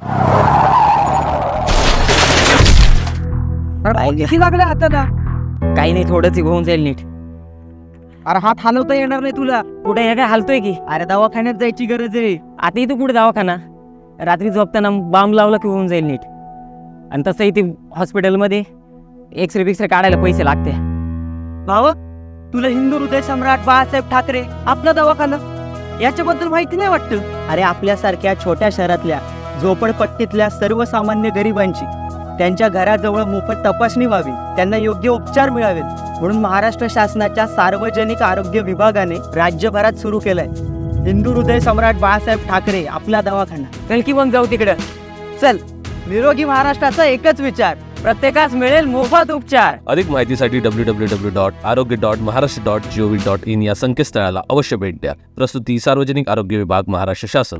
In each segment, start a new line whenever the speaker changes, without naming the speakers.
किती लागले हाताला?
काही नाही, थोडंच होऊन जाईल नीट.
अरे हात हलवता येणार नाही तुला.
कुठे हे काय हालतोय की?
अरे दवाखान्यात जायची गरज आहे.
आता इथं कुठे दवाखाना? रात्री झोपताना बांब लावला की होऊन जाईल नीट. आणि तसं इथे हॉस्पिटलमध्ये एक्सरे बिक्सरे काढायला पैसे लागते.
भाव, तुला हिंदू हृदय सम्राट बाळासाहेब ठाकरे आपला दवाखाना याच्याबद्दल माहिती नाही वाटतं? अरे आपल्यासारख्या छोट्या शहरातल्या झोपडपट्टीतल्या सर्वसामान्य गरिबांची त्यांच्या घराजवळ मोफत तपासणी व्हावी, त्यांना योग्य उपचार मिळावेत म्हणून महाराष्ट्र शासनाच्या सार्वजनिक आरोग्य विभागाने राज्यभरात सुरू केलंय हिंदू हृदय सम्राट बाळासाहेब ठाकरे आपला दवाखाना.
चल की मग जाऊ तिकडं.
चल, निरोगी महाराष्ट्राचा एकच विचार,
प्रत्येकास मिळेल मोफत उपचार.
अधिक माहितीसाठी www.arogya.maharashtra.gov.in या संकेतस्थळाला अवश्य भेट द्या. प्रस्तुती सार्वजनिक आरोग्य विभाग, महाराष्ट्र शासन.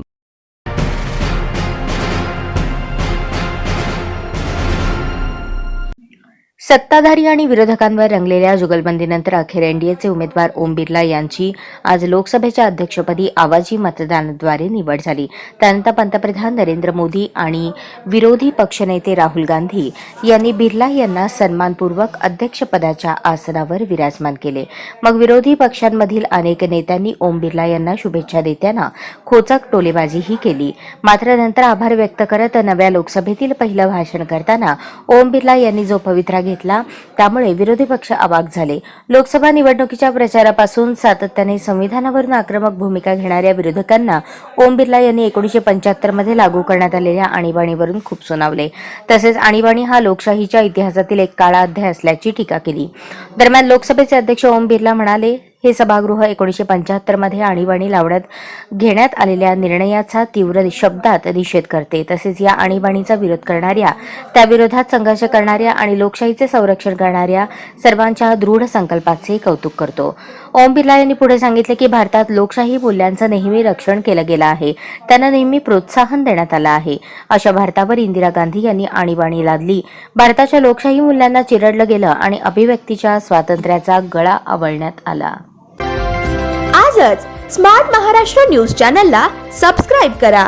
सत्ताधारी आणि विरोधकांवर रंगलेल्या जुगलबंदीनंतर अखेर एनडीएचे उमेदवार ओम बिर्ला यांची आज लोकसभेच्या अध्यक्षपदी आवाजी मतदानाद्वारे निवड झाली. त्यानंतर पंतप्रधान नरेंद्र मोदी आणि विरोधी पक्षनेते राहुल गांधी यांनी बिर्ला यांना सन्मानपूर्वक अध्यक्षपदाच्या आसनावर विराजमान केले. मग विरोधी पक्षांमधील अनेक नेत्यांनी ओम बिर्ला यांना शुभेच्छा देताना खोचक टोलेबाजीही केली. मात्र नंतर आभार व्यक्त करत नव्या लोकसभेतील पहिलं भाषण करताना ओम बिर्ला यांनी जो पवित्रा घेतला त्यामुळे विरोधी पक्ष अवाक झाले. लोकसभा निवडणुकीच्या प्रचारापासून सातत्याने संविधानावरून आक्रमक भूमिका घेणाऱ्या विरोधकांना ओम बिर्ला यांनी 1975 मध्ये लागू करण्यात आलेल्या आणीबाणीवरून खूप सुनावले. तसेच आणीबाणी हा लोकशाहीच्या इतिहासातील एक काळा अध्याय असल्याची टीका केली. दरम्यान लोकसभेचे अध्यक्ष ओम बिर्ला म्हणाले, हे सभागृह 1975 मध्ये आणीबाणी लावण्यात घेण्यात आलेल्या निर्णयाचा तीव्र शब्दात निषेध करते. तसेच या आणीबाणीचा विरोध करणाऱ्या, त्याविरोधात संघर्ष करणाऱ्या आणि लोकशाहीचे संरक्षण करणाऱ्या सर्वांच्या दृढ संकल्पाचे कौतुक करतो. ओम बिर्ला यांनी पुढे सांगितले की भारतात लोकशाही मूल्यांचं नेहमी रक्षण केलं गेलं आहे, त्यांना नेहमी प्रोत्साहन देण्यात आलं आहे. अशा भारतावर इंदिरा गांधी यांनी आणीबाणी लादली. भारताच्या लोकशाही मूल्यांना चिरडलं गेलं आणि अभिव्यक्तीच्या स्वातंत्र्याचा गळा आवळण्यात आला.
आजच स्मार्ट महाराष्ट्र न्यूज चॅनलला सबस्क्राईब करा.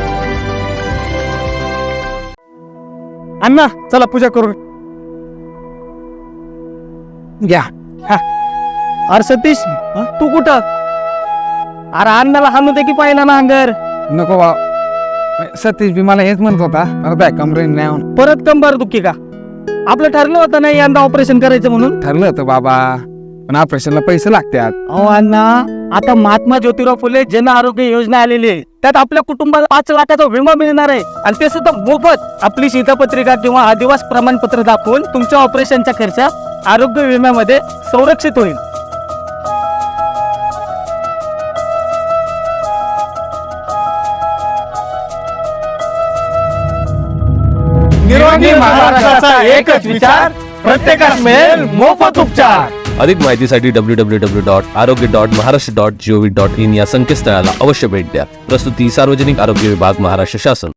अण्णा चला पूजा करू घ्या. अरे सतीश, तू कुठं? अरे अण्णाला हाणू दे की पाहिला ना अंगर.
नको बा, सतीश बी मला हेच म्हणत होता, मला कमरेने नाही आणून.
परत कंबर दुखी का? आपलं ठरलं होतं नाही यंदा ऑपरेशन करायचं म्हणून.
ठरलं होतं बाबा, पण ऑपरेशनला पैसे लागतात.
अहो अण्णा, आता महात्मा ज्योतिराव फुले जन आरोग्य योजना आलेली आहे, त्यात आपल्या कुटुंबाला 5 लाखाचा विमा मिळणार आहे आणि ते सुद्धा मोफत. आपली शिधापत्रिका किंवा आदिवास प्रमाणपत्र दाखवून तुमच्या ऑपरेशनचा खर्च आरोग्य विम्यामध्ये संरक्षित होईल.
निरोगी महाराष्ट्राचा एकच विचार, प्रत्येकास मिळेल मोफत उपचार.
अधिक माहितीसाठी www.arogya.maharashtra.gov.in या संकेतस्थळाला अवश्य भेट द्या. प्रस्तुती सार्वजनिक आरोग्य विभाग, महाराष्ट्र शासन.